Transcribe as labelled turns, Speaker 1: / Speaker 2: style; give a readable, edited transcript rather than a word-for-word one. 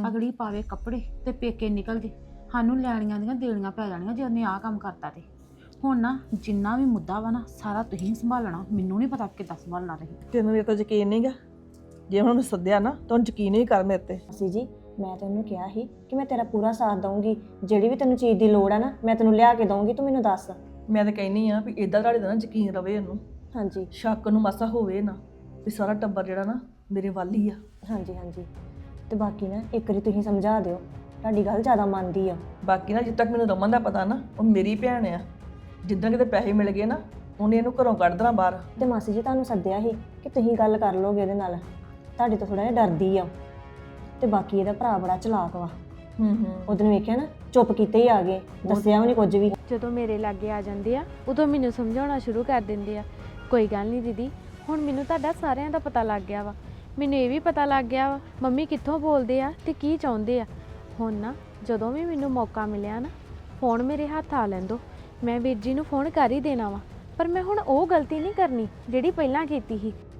Speaker 1: ਅਗਲੀ ਪਾਵੇ ਕੱਪੜੇ ਤੇ ਪੇਕੇ ਨਿਕਲ ਜੇ, ਸਾਨੂੰ ਲੈਣੀਆਂ ਦੀਆਂ ਦੇਣੀਆਂ ਪੈ ਜਾਣੀਆਂ ਜੇ ਉਹਨੇ ਆਹ ਕੰਮ ਕਰਤਾ ਤੇ। ਹੁਣ ਨਾ ਜਿੰਨਾ ਵੀ ਮੁੱਦਾ ਵਾ ਨਾ ਸਾਰਾ ਤੁਸੀਂ ਸੰਭਾਲਣਾ, ਮੈਨੂੰ ਨਹੀਂ ਪਤਾ ਕਿੱਦਾਂ ਸੰਭਾਲਣਾ ਤੁਸੀਂ।
Speaker 2: ਤੈਨੂੰ ਮੇਰੇ ਤੇ ਯਕੀਨ ਨਹੀਂਗਾ? ਜੇ ਹੁਣ ਮੈਂ ਸੱਦਿਆ ਨਾ ਤਾਂ ਉਹਨੂੰ ਯਕੀਨ ਹੀ ਕਰ ਮੇਰੇ ਤੇ।
Speaker 3: ਮਾਸੀ ਜੀ ਮੈਂ ਤੈਨੂੰ ਕਿਹਾ ਸੀ ਕਿ ਮੈਂ ਤੇਰਾ ਪੂਰਾ ਸਾਥ ਦਊਂਗੀ, ਜਿਹੜੀ ਵੀ ਤੈਨੂੰ ਚੀਜ਼ ਦੀ ਲੋੜ ਆ ਨਾ ਮੈਂ ਤੈਨੂੰ ਲਿਆ ਕੇ ਦਊਂਗੀ, ਤੂੰ ਮੈਨੂੰ ਦੱਸ।
Speaker 2: ਮੈਂ ਤਾਂ ਕਹਿੰਦੀ ਆ ਵੀ ਇਦਾਂ ਤੁਹਾਡੇ ਦਾ ਨਾ ਯਕੀਨ ਰਵੇ ਇਹਨੂੰ,
Speaker 3: ਹਾਂਜੀ
Speaker 2: ਸ਼ੱਕ ਨੂੰ ਮਾਸਾ ਹੋਵੇ ਨਾ ਵੀ ਸਾਰਾ ਟੱਬਰ ਜਿਹੜਾ ਨਾ ਮੇਰੇ ਵੱਲ ਹੀ ਆ।
Speaker 3: ਹਾਂਜੀ ਹਾਂਜੀ, ਤੇ ਬਾਕੀ ਨਾ ਇੱਕ ਵਾਰੀ ਤੁਸੀਂ ਸਮਝਾ ਦਿਓ, ਤੁਹਾਡੀ ਗੱਲ ਜ਼ਿਆਦਾ ਮੰਨਦੀ ਆ।
Speaker 2: ਬਾਕੀ ਨਾ ਜਿੱਦ ਤੱਕ ਮੈਨੂੰ ਰਮਨ ਦਾ ਪਤਾ ਨਾ, ਉਹ ਮੇਰੀ ਭੈਣ ਆ। ਜਿੱਦਾਂ ਕਿਤੇ ਪੈਸੇ ਮਿਲ ਗਏ ਨਾ ਉਹਨੇ ਇਹਨੂੰ ਘਰੋਂ ਕੱਢ ਦੇਣਾ ਬਾਹਰ।
Speaker 3: ਤੇ ਮਾਸੀ ਜੀ ਤੁਹਾਨੂੰ ਸੱਦਿਆ ਸੀ ਕਿ ਤੁਸੀਂ ਗੱਲ ਕਰ ਲੋਗੇ ਇਹਦੇ ਨਾਲ, ਤੁਹਾਡੇ ਤੋਂ ਥੋੜਾ ਜਿਹਾ ਡਰਦੀ ਆ। ਤੇ ਬਾਕੀ ਇਹਦਾ ਭਰਾ ਬੜਾ ਚਲਾਕ ਵਾ। ਉਹਦਨ ਵੇਖਿਆ ਨਾ ਚੁੱਪ ਕੀਤੇ ਹੀ ਆ ਗਏ, ਦੱਸਿਆ ਵੀ ਨਹੀਂ ਕੁਝ ਵੀ।
Speaker 4: ਜਦੋਂ ਮੇਰੇ ਲਾਗੇ ਆ ਜਾਂਦੇ ਆ ਉਦੋਂ ਮੈਨੂੰ ਸਮਝਾਉਣਾ ਸ਼ੁਰੂ ਕਰ ਦਿੰਦੇ ਆ। ਕੋਈ ਗੱਲ ਨਹੀਂ ਦੀਦੀ, ਹੁਣ ਮੈਨੂੰ ਤੁਹਾਡਾ ਸਾਰਿਆਂ ਦਾ ਪਤਾ ਲੱਗ ਗਿਆ ਵਾ। ਮੈਨੂੰ ਇਹ ਵੀ ਪਤਾ ਲੱਗ ਗਿਆ ਵਾ ਮੰਮੀ ਕਿੱਥੋਂ ਬੋਲਦੇ ਆ ਤੇ ਕੀ ਚਾਹੁੰਦੇ ਆ। ਹੁਣ ਨਾ ਜਦੋਂ ਵੀ ਮੈਨੂੰ ਮੌਕਾ ਮਿਲਿਆ ਨਾ ਫੋਨ ਮੇਰੇ ਹੱਥ ਆ ਲੈਂਦੋ, ਮੈਂ ਵੀਰ ਜੀ ਨੂੰ ਫੋਨ ਕਰ ਹੀ ਦੇਣਾ ਵਾ। ਪਰ ਮੈਂ ਹੁਣ ਉਹ ਗਲਤੀ ਨਹੀਂ ਕਰਨੀ ਜਿਹੜੀ ਪਹਿਲਾਂ ਕੀਤੀ ਸੀ।